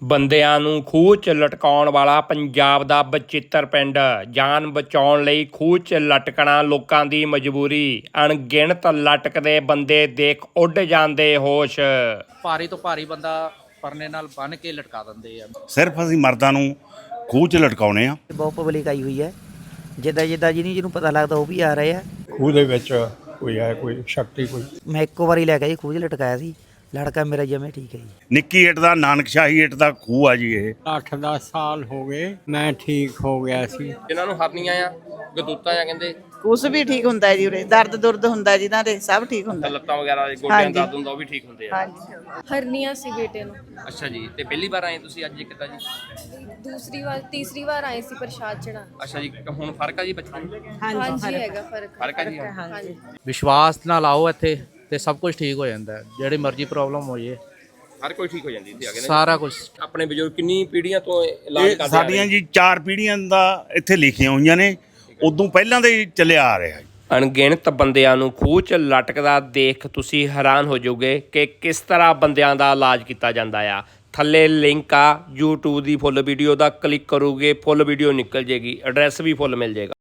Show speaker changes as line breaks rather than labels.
ਬੰਦਿਆਂ ਨੂੰ ਖੂਹ 'ਚ ਲਟਕਾਉਣ ਵਾਲਾ ਪੰਜਾਬ ਦਾ ਬਚਿੱਤਰ ਪਿੰਡ। ਜਾਨ ਬਚਾਉਣ ਲਈ ਖੂਹ 'ਚ ਲਟਕਣਾ ਲੋਕਾਂ ਦੀ ਮਜਬੂਰੀ। ਅਣਗਿਣਤ ਲਟਕਦੇ ਬੰਦੇ ਦੇਖ ਉੱਡ ਜਾਂਦੇ ਹੋਸ਼।
ਭਾਰੀ ਤੋਂ ਭਾਰੀ ਬੰਦਾ ਪਰਨੇ ਨਾਲ ਬੰਨ੍ਹ ਕੇ ਲਟਕਾ ਦਿੰਦੇ ਆ।
ਸਿਰਫ ਅਸੀਂ ਮਰਦਾਂ ਨੂੰ ਖੂਹ 'ਚ ਲਟਕਾਉਣੇ ਆ।
ਬਹੁਤ ਪਬਲਿਕ ਆਈ ਹੋਈ ਹੈ, ਜਿੱਦਾਂ ਜਿਹਨੂੰ ਪਤਾ ਲੱਗਦਾ ਉਹ ਵੀ ਆ ਰਹੇ ਆ।
ਖੂਹ ਦੇ ਵਿੱਚ ਕੋਈ ਹੈ, ਕੋਈ ਸ਼ਕਤੀ ਕੋਈ।
ਮੈਂ ਇੱਕੋ ਵਾਰੀ ਲੈ ਕੇ ਜੀ ਖੂਹ 'ਚ ਲਟਕਾਇਆ ਸੀ, ਲੜਕਾ ਮੇਰਾ ਜਮੇ ਠੀਕ ਹੈ ਜੀ।
ਨਿੱਕੀ ਇੱਟ ਦਾ ਨਾਨਕਸ਼ਾਹੀ ਇੱਟ ਦਾ ਖੂਹ ਆ ਜੀ ਇਹ।
8-10 ਸਾਲ ਹੋ ਗਏ ਮੈਂ ਠੀਕ ਹੋ ਗਿਆ ਸੀ।
ਜਿਨ੍ਹਾਂ ਨੂੰ ਹਰਨੀਆਂ ਆ, ਗਦੂਤਾਂ ਆ ਕਹਿੰਦੇ,
ਕੁਛ ਵੀ ਠੀਕ ਹੁੰਦਾ ਹੈ ਜੀ ਉਰੇ। ਦਰਦ ਦੁਰਦ ਹੁੰਦਾ ਜਿਨ੍ਹਾਂ ਦੇ ਸਭ ਠੀਕ ਹੁੰਦਾ।
ਲੱਤਾਂ ਵਗੈਰਾ ਗੋਡਿਆਂ ਦਾ ਦਰਦ ਹੁੰਦਾ ਉਹ ਵੀ ਠੀਕ ਹੁੰਦੇ ਆ।
ਹਾਂਜੀ
ਹਰਨੀਆਂ ਸੀ ਬੇਟੇ ਨੂੰ।
ਅੱਛਾ ਜੀ, ਤੇ ਪਹਿਲੀ ਵਾਰ ਆਏ ਤੁਸੀਂ ਅੱਜ ਕਿੱਦਾਂ ਜੀ?
ਤੀਸਰੀ ਵਾਰ ਆਏ ਸੀ ਪ੍ਰਸ਼ਾਦ ਚੜਾ।
ਅੱਛਾ ਜੀ, ਹੁਣ ਫਰਕ ਆ ਜੀ ਬੱਚਿਆਂ ਨੂੰ?
ਹਾਂਜੀ ਹੈਗਾ
ਫਰਕ ਆ ਜੀ?
ਹਾਂਜੀ।
ਵਿਸ਼ਵਾਸ ਨਾਲ ਆਓ ਇੱਥੇ ਤੇ ਸਭ ਕੁਝ ਠੀਕ ਹੋ ਜਾਂਦਾ ਹੈ। ਜਿਹੜੀ ਮਰਜ਼ੀ ਪ੍ਰੋਬਲਮ ਹੋ ਜੇ
ਹਰ ਕੋਈ ਠੀਕ ਹੋ ਜਾਂਦੀ ਇੱਥੇ ਆ ਕੇ ਨਾ।
ਸਾਰਾ ਕੁਝ।
ਆਪਣੇ ਬਜ਼ੁਰਗ ਕਿੰਨੀ ਪੀੜ੍ਹੀਆਂ ਤੋਂ ਇਲਾਜ ਕਰਦੇ ਆ ਰਹੇ?
ਸਾਡੀਆਂ ਜੀ 4 ਪੀੜ੍ਹੀਆਂ ਦਾ ਇੱਥੇ ਲਿਖੀਆਂ ਹੋਈਆਂ ਨੇ, ਉਦੋਂ ਪਹਿਲਾਂ ਦੇ ਹੀ ਚੱਲਿਆ ਆ ਰਿਹਾ।
ਅਣਗਿਣਤ ਬੰਦਿਆਂ ਨੂੰ ਖੂਹ 'ਚ ਲਟਕਦਾ ਦੇਖ ਤੁਸੀਂ ਹੈਰਾਨ ਹੋ ਜਾਓਗੇ ਕਿ ਕਿਸ ਤਰ੍ਹਾਂ ਬੰਦਿਆਂ ਦਾ ਇਲਾਜ ਕੀਤਾ ਜਾਂਦਾ ਆ। ਥੱਲੇ ਲਿੰਕ ਆ YouTube ਦੀ ਫੁੱਲ ਵੀਡੀਓ ਦਾ, ਕਲਿੱਕ ਕਰੋਗੇ ਫੁੱਲ ਵੀਡੀਓ ਨਿਕਲ ਜੇਗੀ, ਐਡਰੈਸ ਵੀ ਫੁੱਲ ਮਿਲ ਜੇਗਾ।